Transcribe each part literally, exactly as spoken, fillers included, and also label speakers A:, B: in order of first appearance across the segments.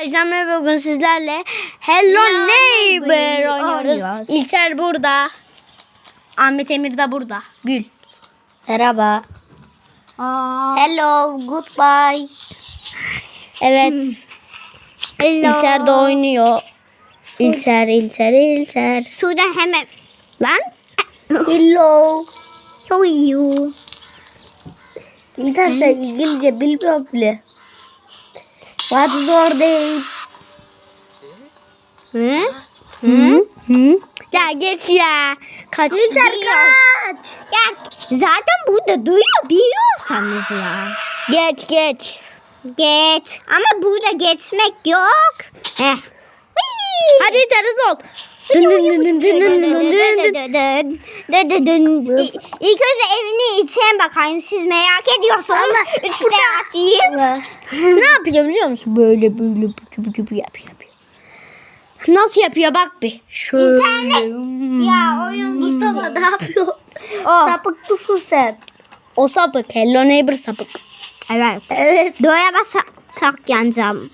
A: Arkadaşlar merhaba, bugün sizlerle Hello
B: Hello
A: Neighbor
B: Neighbor
A: oynuyoruz.
B: oynuyoruz.
A: İlker burada. Ahmet Emir de burada. Gül.
B: Merhaba.
A: Aa.
B: Hello, goodbye.
A: Evet.
B: Hello.
A: İlker de oynuyor. İlker, İlker, İlker.
B: Suda hemen.
A: Lan.
B: Hello. How are you? İlker sen İngilizce bilmiyor bile. What is your name?
A: Hı? Hı? Hı? Ya geç ya. Kaç.
B: İlker kaç.
A: Ya
B: Zaten burada duyuyor biliyorsanız ya.
A: geç geç.
B: Geç. Ama burada geçmek yok. Heh.
A: Hadi İlker hızlı ol. Dın dın dın dın dın dın dın dın.
B: İlk önce evini içine bakayım. Siz merak ediyorsanız üçte atayım.
A: Ne yapıyor biliyor musun? Böyle böyle bıcı bıcı bıcı yapıyor. yapıyor. Nasıl yapıyor bak bir. Şöyle.
B: İnternet. Ya oyun Mustafa ne yapıyor?
A: Oh,
B: Sapık mısın sen?
A: o sapık. Hello Neighbor sapık.
B: Evet. Evet. Doğaya basak yanacağım.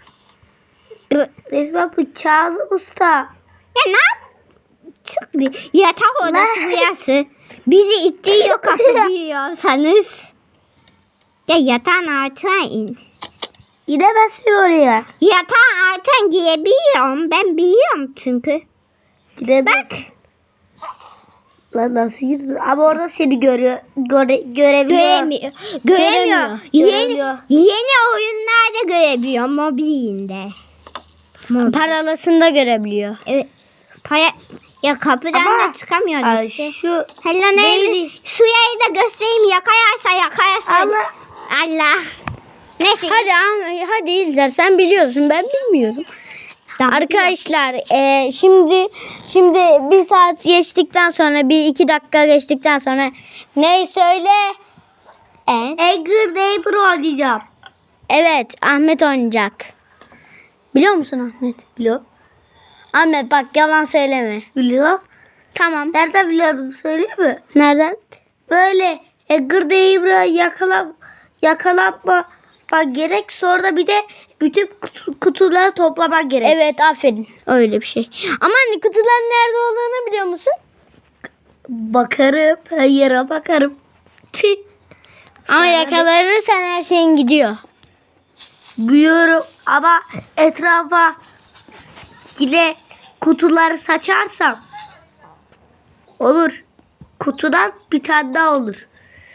B: Resmen bu Kazım Usta. Ya ne yap? Çok bir yatak odası burası. Bizi ittiriyor kapatıyorsanız. Ya yatağın altına in. Gidemezsin oraya. Yatağın altına girebiliyorum. Ben biliyorum çünkü. Gidemezsin. Bak. Lan nasıl girdin? Ama orada seni görüyor. Göre, görebiliyor. Göremiyor. Göremiyor.
A: Göremiyor.
B: Yeni, yeni oyunlarda görebiliyor mobilinde.
A: Paralasında görebiliyor.
B: Evet. Paya, ya kapıdan
A: Ama,
B: da çıkamıyor
A: Ay,
B: işte.
A: şu
B: Hello neydi? Şurayı da göstereyim. Yakayarsa yakayarsa.
A: Allah.
B: Allah. Neyse.
A: Hadi Ahmet, hadi İlker sen biliyorsun, ben bilmiyorum.
B: Tamam,
A: Arkadaşlar e, şimdi şimdi bir saat geçtikten sonra, bir iki dakika geçtikten sonra ne söyle? E?
B: Angry Neighbor oynayacağım.
A: Evet, Ahmet oynayacak. Biliyor musun Ahmet?
B: Biliyorum.
A: Ahmet bak, yalan söyleme.
B: Biliyorum.
A: Tamam.
B: Nereden biliyorum söyleyeyim mi?
A: Nereden?
B: Böyle Angry Neighbor'a yakalan, yakalanma gerek. Sonra da bir de bütün kutu, kutuları toplamak gerek.
A: Evet, aferin. Öyle bir şey. Ama hani kutuların nerede olduğunu biliyor musun?
B: Bakarım. Her yere bakarım.
A: Ama yakalanırsan her şeyin gidiyor.
B: Biliyorum ama etrafa yine kutuları saçarsam olur. Kutudan bir tane daha olur.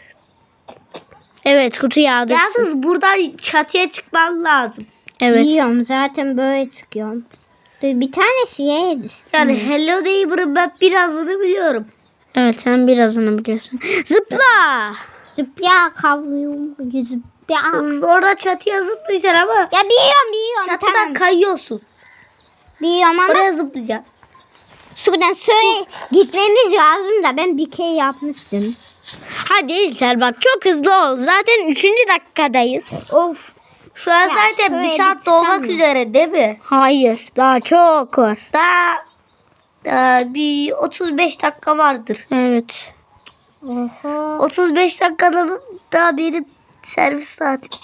A: Evet, kutu yağdırsın.
B: Yalnız buradan çatıya çıkman lazım.
A: Evet.
B: Biliyorum zaten böyle çıkıyorum. Bir tanesi yere düştü. Yani Hello Neighbor'ın ben birazını biliyorum.
A: Evet, sen birazını biliyorsun. Zıpla.
B: Zıpla kavuyorum. Zıpla. Orada çatıya zıplayacaksın ama. Ya biliyorum biliyorum. Çatıdan tamam. Kayıyorsun. Biliyorum ama. Oraya zıplayacaksın. Şuradan söyle gitmemiz lazım da ben bir kere yapmıştım.
A: Hadi İlker bak, çok hızlı ol. Zaten üçüncü dakikadayız.
B: Of. Şu an
A: Ya
B: zaten bir
A: şöyle
B: saat dolmak üzere değil mi?
A: Hayır, daha çok var.
B: Daha, daha bir otuz beş dakika vardır.
A: Evet.
B: Oha. otuz beş dakikada daha benim servis saatim.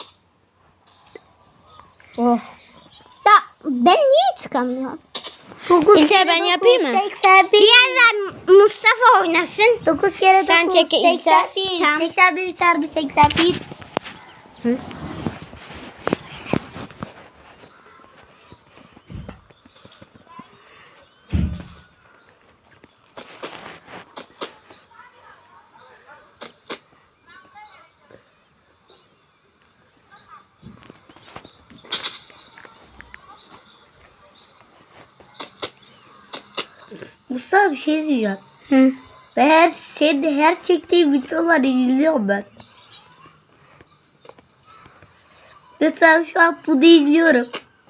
B: Oh. Da ben niye çıkamıyorum?
A: İlker ben yapayım mı?
B: seksen bir. Birazdan Mustafa oynasın. dokuz kere dokuz.
A: Sen çek İlker.
B: seksen bir. Tamam. seksen bir çarpı seksen bir. Hı? Mustafa bir şey diyeceğim.
A: Hı.
B: Ben her senin her çektiğin videoları izliyorum ben. Mesela şu an bunu izliyorum.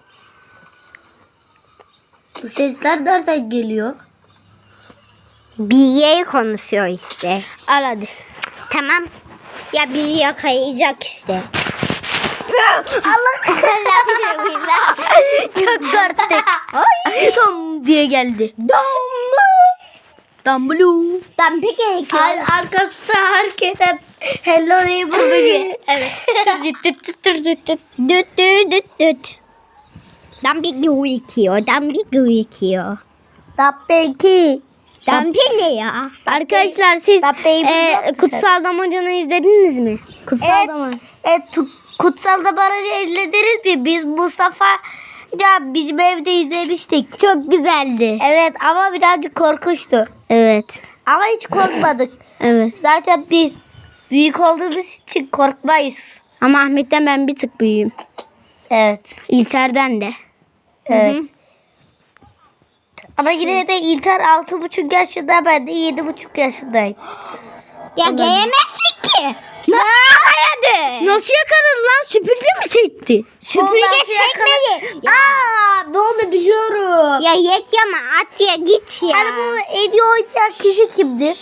B: Bu sesler nereden geliyor? Bir yere konuşuyor işte.
A: Al hadi.
B: Tamam. Ya bizi yakalayacak işte. Allah Allah.
A: Çok korktuk. Ay, dom diye geldi.
B: Dom.
A: Dumbledore.
B: Ben peki Ar arkasında hareket et. Hello Neighbor bugün.
A: Evet. Düt düt düt düt düt düt.
B: Düt düt düt düt. Dampi gerekiyor. Dampi gerekiyor.
A: Tabii
B: Dampi ne ya?
A: Arkadaşlar siz
B: Tabii,
A: e,
B: biliyor musun?
A: Kutsal Damacan'ı izlediniz mi? Kutsal
B: Evet.
A: Damacan.
B: Evet, tu- Kutsal Damara'yı izlediniz mi? Biz Mustafa ya bizim evde izlemiştik.
A: Çok güzeldi.
B: Evet ama birazcık korkunçtu.
A: Evet.
B: Ama hiç korkmadık.
A: Evet.
B: Zaten biz büyük olduğumuz için korkmayız.
A: Ama Ahmet'ten ben bir tık büyüğüm.
B: Evet.
A: İlter'den de.
B: Evet.
A: Hı hı.
B: Ama yine de İlter altı buçuk yaşında, ben de yedi buçuk yaşındayım.
A: Ya
B: giyemezsin ki. Nasıl yakaladı?
A: Nasıl yakaladı lan? Süpürge mi çekti?
B: Süpürge çekmedi. Aa, ne oldu biliyorum.
A: Ya yekleme at ya git ya.
B: Hani bunu en iyi oynayan kişi kimdi?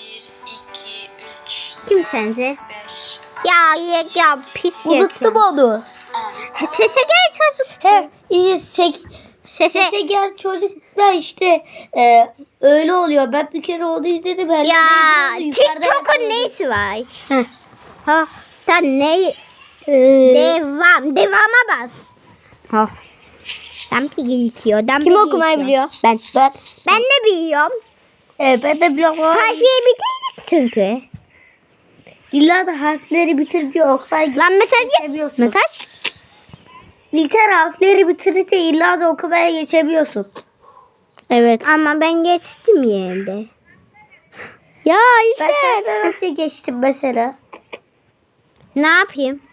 A: Kim sence? Ya yekya pis
B: Unuttum onu.
A: Sese gel çocuk.
B: He, işte sek,
A: Sese.
B: sese gel çocuklar işte e, öyle oluyor. Ben bir kere onu izledim. Her
A: Ya
B: yerde yukarıda
A: TikTok'un
B: yapıyordu.
A: neyisi var?
B: Heh.
A: Ha. Sen ne?
B: Ee,
A: Devam. Devama bas. Ha. Dampi gerekiyor. Dampi
B: Kim okumayı biliyor?
A: Ben.
B: Ben.
A: Ben de biliyorum.
B: Evet, ben de biliyorum ama
A: Harfiye bitirdik çünkü.
B: illa da harfleri bitir diyor. Okumayı
A: Lan mesaj gel.
B: geçemiyorsun.
A: Mesaj.
B: İlker harfleri bitirince illa da okumaya geçemiyorsun.
A: Evet. Ama ben geçtim yerde. Ya
B: Ben
A: İlker.
B: senden önce geçtim mesela.
A: Ne yapayım?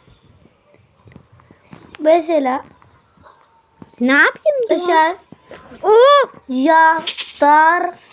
B: Mesela
A: Ne yapayım? diyor?
B: dışarı
A: Oo.
B: jadar